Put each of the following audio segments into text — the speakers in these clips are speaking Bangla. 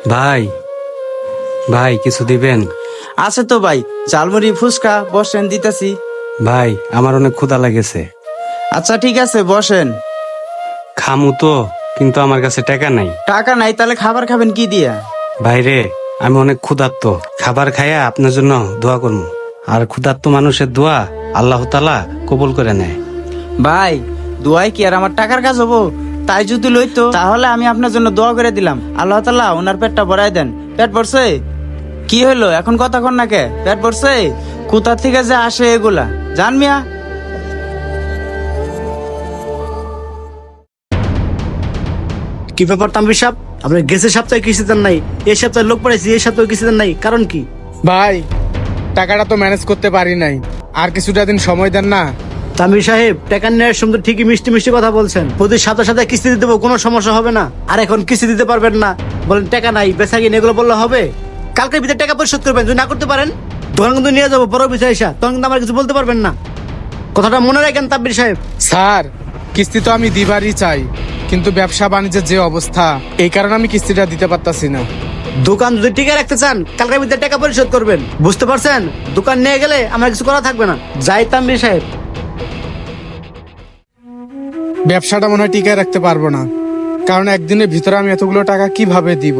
ভাই ভাই কিছু দিবেন? আছে তো ভাই, ঝালমুড়ি ফুচকা বসেন দিতেছি। ভাই আমার অনেক ক্ষুধা লাগেছে, আচ্ছা ঠিক আছে বসেন। খামু তো, কিন্তু আমার কাছে টাকা নাই। টাকা নাই তাহলে খাবার খাবেন কি দিয়া? ভাইরে, আমি অনেক ক্ষুধার্ত, খাবার খাইয়া আপনার জন্য দোয়া করবো। আর ক্ষুধার্ত মানুষের দোয়া আল্লাহ তাআলা কবুল করে নেয়। ভাই দোয়াই কি আর আমার টাকার কাজ হবো? তাই যদি লইতো তাহলে আমি আপনার জন্য দোয়া করে দিলাম, আল্লাহ তাআলা ওনার পেটটা ভরাই দেন। পেট ভরছে? কি হইলো এখন কথা কন না কে? পেট ভরছে? কোথা থেকে যে আসে এগুলা জান মিয়া। কি ব্যাপার তানভীর সাহেব, আপনার গেছের সপ্তাহে কিস্তি দেন নাই, এই সপ্তাহে লোক পড়াইছি, এই সপ্তাহে কিস্তি দেন নাই, কারণ কি? ভাই টাকাটা তো ম্যানেজ করতে পারি নাই, আর কিছুটা দিন সময় দেন না। তানভীর সাহেব, টাকা নেওয়ার সময় তো ঠিকই মিষ্টি মিষ্টি কথা বলছেন, প্রতি সাথে সাথে কিস্তি দিতে দেবো, কোনো সমস্যা হবে না। আর এখন কিস্তি দিতে পারবেন না, বলেন টাকা নাই, বেচা কিনে এগুলো বললে হবে? কালকের ভিতরে টাকা পরিশোধ করবেন, যদি না করতে পারেন দোকান কিন্তু নিয়ে যাবো বড় বিষয় এসা, তখন কিন্তু আমার কিছু বলতে পারবেন না। কথাটা মনে রাখেন তানভীর সাহেব। স্যার কিস্তি তো আমি দিবারই চাই, কিন্তু ব্যবসা বাণিজ্যের যে অবস্থা, এই কারণে আমি কিস্তিটা দিতে পারতাছি না। দোকান যদি টিকে রাখতে চান কালকের ভিতরে টাকা পরিশোধ করবেন, বুঝতে পারছেন? দোকান নিয়ে গেলে আমার কিছু করা থাকবে না। যাই তানভীর সাহেব। ব্যবসাটা মনে হয় টিকায় রাখতে পারবো না, কারণ একদিনের ভিতরে আমি এতগুলো টাকা কিভাবে দিব।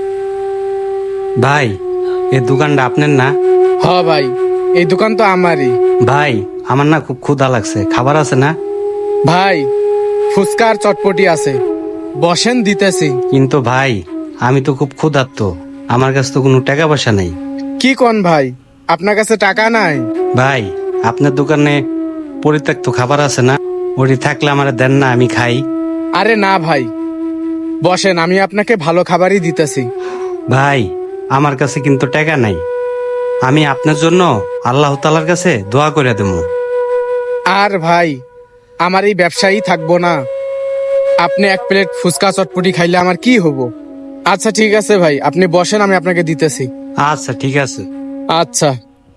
ভাই এই দোকানটা আপনার না? হ ভাই, এই দোকান তো আমারই। ভাই আমার না খুব ক্ষুধা লাগছে, খাবার আছে না? ভাই ফুচকা আর চটপটি আছে, বসেন দিতেছি। কিন্তু ভাই আমি তো খুব ক্ষুধার্ত, আমার কাছে তো কোনো টাকা পয়সা নেই। কি কোন ভাই, আপনার কাছে টাকা নাই? ভাই আপনার দোকানে পরিত্যক্ত খাবার আছে না? ওটি থাকলে আমার দেন না, আমি খাই। আরে না ভাই, বসেন, আমি আপনাকে ভালো খাবারই দিতেছি। ভাই আমার কাছে কিন্তু টাকা নাই, আমি আপনার জন্য আল্লাহ তাআলার কাছে দোয়া করে দেবো। আর ভাই আমার এই ব্যবসায়ী থাকবো না, আপনি এক প্লেট ফুচকা চটপটি খাইলে আমার কি হবো? আচ্ছা ঠিক আছে ভাই, আপনি বসেন, আমি আপনাকে দিতেছি। আচ্ছা ঠিক আছে। আচ্ছা।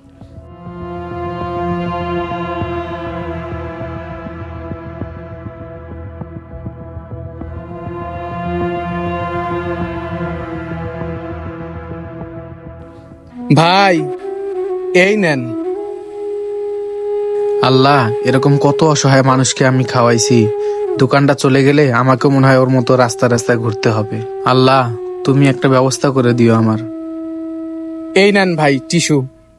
ভাই এই নেন। আল্লাহ, এরকম কত অসহায় মানুষকে আমি খাওয়াইছি, দোকানটা চলে গেলে আমাকে মনে হয় ওর মতো রাস্তা রাস্তায় ঘুরতে হবে। আল্লাহ তুমি একটা ব্যবস্থা করে দিও আমার। এই নেন ভাই টিস্যু।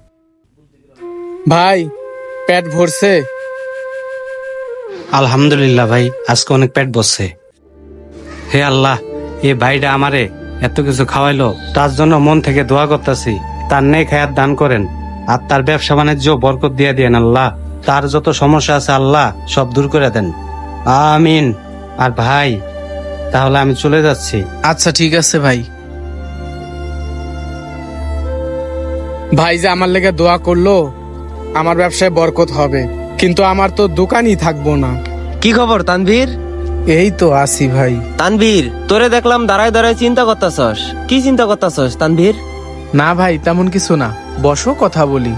ভাই পেট ভরছে? আলহামদুলিল্লাহ ভাই, আজকে অনেক পেট বসছে। হে আল্লাহ, এ ভাইটা আমারে এত কিছু খাওয়াইলো, তার জন্য মন থেকে দোয়া করতেছি, তার নেক হায়াত দান করেন, আর তার ব্যবসা বাণিজ্য বরকত দিয়ে দেন আল্লাহ। তার যত সমস্যা আছে আল্লাহ সব দূর করে দেন, আমিন। আর ভাই তাহলে আমি চলে যাচ্ছি। আচ্ছা ঠিক আছে ভাই। ভাই যে আমার লেগে দোয়া করলো, আমার ব্যবসায় বরকত হবে, কিন্তু আমার তো দোকানই থাকবো না। কি খবর তানভীর? এই তো আসি ভাই। তানভীর তোরে দেখলাম দাঁড়ায় দাঁড়ায় চিন্তা করতাছস, কি চিন্তা করতাছস তানভীর? না ভাই তেমন কিছু না, বসো কথা বলি।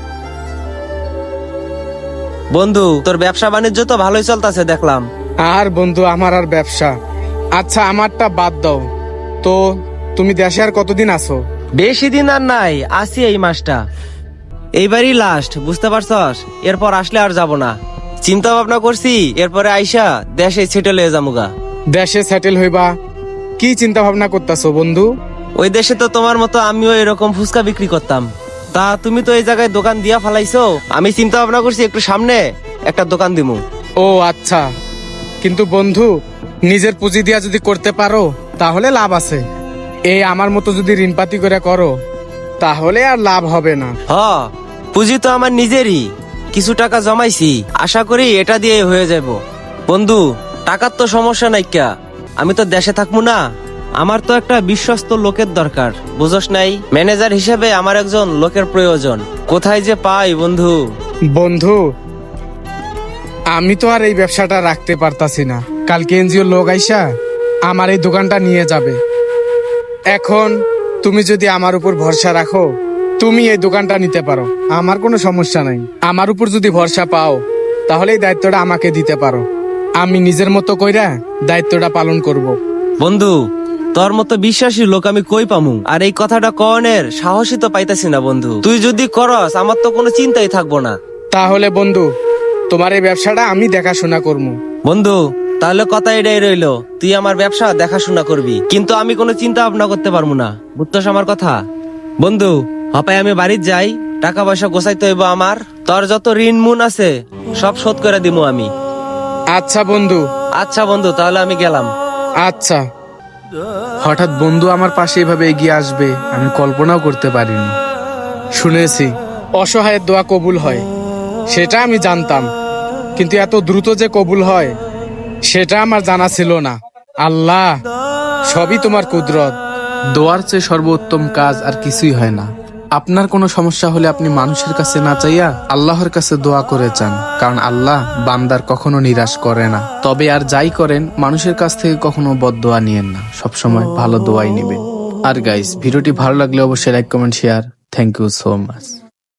বন্ধু তোর ব্যবসা বাণিজ্য তো ভালোই চলতেছে দেখলাম। আর বন্ধু আমার আর ব্যবসা, আচ্ছা আমারটা বাদ দাও তো, তুমি দেশে আর কতদিন আছো? বেশি দিন আর নাই, আসি এই মাসটা, এইবারই লাস্ট, বুঝতে পারছস? এরপর আসলে আর যাব না, চিন্তা ভাবনা করছি এরপরে আইসা দেশে সেটেল হয়ে যামুগা। দেশে সেটেল হইবা? কি চিন্তা ভাবনা করতেছো বন্ধু? ওই দেশে তো তোমার মতো আমিও এরকম ফুচকা বিক্রি করতাম, তা তুমি তো এই জায়গায় দোকান দিয়া ফালাইছো, আমি চিন্তা ভাবনা করছি একটু সামনে একটা দোকান দিমু। ও আচ্ছা, কিন্তু বন্ধু নিজের পুঁজি দিয়া যদি করতে পারো তাহলে লাভ আছে, এই আমার মতো যদি ঋণপাতি করে করো তাহলে আর লাভ হবে না। হ, পুঁজি তো আমার নিজেরই, কিছু টাকা জমাইছি, আশা করি এটা দিয়ে হয়ে যাব। বন্ধু টাকার তো সমস্যা নাই, ক্যা আমি তো দেশে থাকবো না, আমার তো একটা বিশ্বস্ত লোকের দরকার, বুঝস নাই? ম্যানেজার হিসেবে আমার একজন লোকের প্রয়োজন, কোথায় যে পাই বন্ধু? বন্ধু আমি তো আর এই ব্যবসাটা রাখতে পারতাছি না, কালকে এনজিও লোক আইসা আমার এই দোকানটা নিয়ে যাবে। এখন তুমি যদি আমার উপর ভরসা রাখো, তুমি এই দোকানটা নিতে পারো, আমার কোনো সমস্যা নাই। আমার উপর যদি ভরসা পাও তাহলে এই দায়িত্বটা আমাকে দিতে পারো, আমি নিজের মতো কইরা দায়িত্বটা পালন করব। বন্ধু তোর মতো বিশ্বাসী লোক আমি কই পামু? আর এই কথাটা কনের সাহসই তো পাইতাছি না বন্ধু। তুই যদি করস আমার তো কোনো চিন্তাই থাকবো না। তাহলে বন্ধু, তোমার এই ব্যবসাটা আমি দেখাশোনা করবো। বন্ধু তাহলে কথা এটাই রইলো, তুই আমার ব্যবসা দেখাশোনা করবি, কিন্তু আমি কোনো চিন্তা ভাবনা করতে পারবো না। বুঝছস আমার কথা? বন্ধু হপায় আমি বাড়ির যাই, টাকা পয়সা গোছাইতে হইব আমার। তোর যত ঋণ মুন আছে সব শোধ করে দিমু আমি। আচ্ছা বন্ধু। আচ্ছা বন্ধু, তাহলে আমি গেলাম। আচ্ছা। হঠাৎ বন্ধু আমার পাশে এভাবে এগিয়ে আসবে আমি কল্পনাও করতে পারিনি। শুনেছি অসহায়ের দোয়া কবুল হয়, সেটা আমি জানতাম, কিন্তু এত দ্রুত যে কবুল হয় সেটা আমার জানা ছিল না। আল্লাহ, সবই তোমার কুদরত। দোয়ার চেয়ে সর্বোত্তম কাজ আর কিছুই হয় না। আপনার কোনো সমস্যা হলে আপনি মানুষের কাছে না চাইয়া আল্লাহর কাছে দোয়া করে চান, কারণ আল্লাহ বান্দার কখনো নিরাশ করে না। তবে আর যাই করেন মানুষের কাছ থেকে কখনো বদদোয়া নিয়েন না, সবসময় ভালো দোয়াই নেবেন। আর গাইস, ভিডিওটি ভালো লাগলে অবশ্যই like, comment, share. Thank you so much.